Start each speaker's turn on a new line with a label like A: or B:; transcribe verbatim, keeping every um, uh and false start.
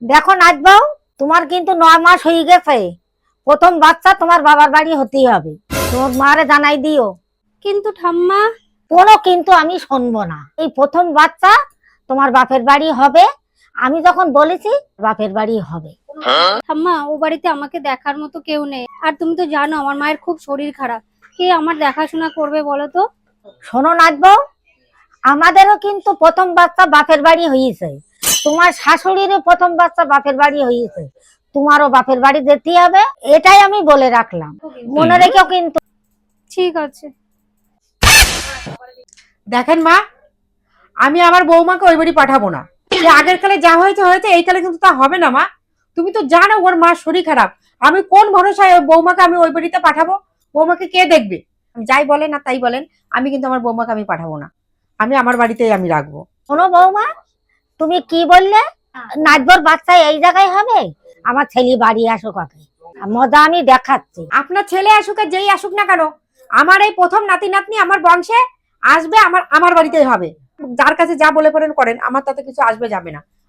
A: দেখো নাচবাও, তোমার কিন্তু নয় মাস হয়ে গেছে, প্রথম বাচ্চা তোমার বাবার বাড়ি হতেই হবে। তোমার মারে জানাই দিও।
B: কিন্তু ঠাম্মা।
A: কোনো কিন্তু আমি শুনবো না। এই প্রথম বাচ্চা তোমার বাপের বাড়ি হবে, আমি যখন বলেছি বাপের বাড়ি হবে।
B: ঠাম্মা, ও বাড়িতে আমাকে দেখার মতো কেউ নেই, আর তুমি তো জানো আমার মায়ের খুব শরীর খারাপ। কে আমার দেখাশোনা করবে বলো তো?
A: শোনো নাচবো, আমাদেরও কিন্তু প্রথম বাচ্চা বাপের বাড়ি হয়েছে, তোমার শাশুড়িরও প্রথম বাচ্চা বাপের বাড়ি হয়েছে, তোমারও বাপের বাড়ি যেতে হবে, এটাই আমি বলে রাখলাম, মনে রেখেও কিন্তু।
B: ঠিক আছে।
C: দেখেন মা, আমি আমার বৌমাকে ওই বাড়ি পাঠাবো না। সে আগের কালে যা হয়েছে হয়েছে, এই কালে কিন্তু তা হবে না মা। তুমি তো জানো ওর মার শরীর খারাপ, আমি কোন ভরসায় ওই বৌমাকে আমি ওই বাড়িতে পাঠাবো? বৌমাকে কে দেখবে? যাই বলেন না তাই বলেন, আমি কিন্তু আমার বৌমাকে আমি পাঠাবো না, আমি আমার বাড়িতেই আমি রাখবো।
A: শোনো বৌমা, তুমি কি বললে? নাচবর বাচ্চা এই জায়গায় হবে? আমার ছেলে বাড়ি আসুক আগে, মজা আমি দেখাচ্ছি।
C: আপনার ছেলে আসুক আর যেই আসুক না কেন, আমার এই প্রথম নাতি নাতনি আমার বংশে আসবে, আমার আমার বাড়িতেই হবে। যার কাছে যা বলে পড়েন করেন, আমার তাতে কিছু আসবে যাবে না।